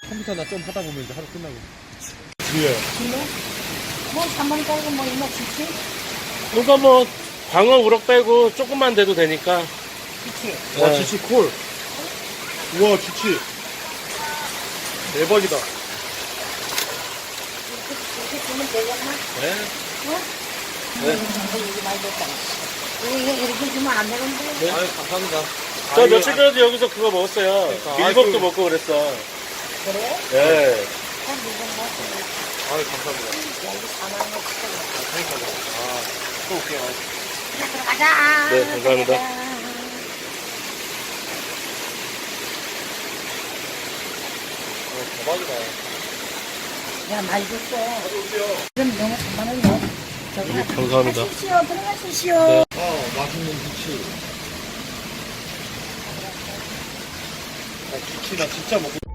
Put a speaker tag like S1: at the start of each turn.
S1: 컴퓨터나 좀 하다 보면 이제 하루 끝나고.
S2: 예.
S3: 근데 뭐 3만 빼고 뭐 이거 지치?
S4: 그러니까 뭐 광어 우럭 빼고 조금만 돼도 되니까.
S3: 지치.
S2: 와,
S4: 네.
S2: 지치 콜. 우와, 지치. 대박이다.
S3: 이렇게 주면 되겠나?
S4: 네.
S3: 어?
S4: 네.
S3: 이게 많이 됐다. 이거 이렇게 주면 안 되는데?
S4: 네.
S1: 아유, 감사합니다.
S4: 저 며칠 전에도 여기서 그거 먹었어요.
S1: 그러니까.
S4: 밀밥도
S1: 아이고.
S4: 먹고 그랬어.
S3: 그래?
S4: 예.
S3: 한 이거 먹고
S1: 아유, 감사합니다.
S3: 여기 4만 원 치고.
S1: 그러니까요. 아, 또 올게요.
S3: 들어가자.
S4: 네, 감사합니다.
S3: 들어가자.
S1: 대박이다.
S3: 야, 많이 줬어. 그럼 너무 3만 원이요. 저기
S4: 감사합니다.
S3: 하십시오. 들어가십시오.
S4: 네.
S2: 맛있는 지치.
S1: 아, 지치 나 진짜 먹고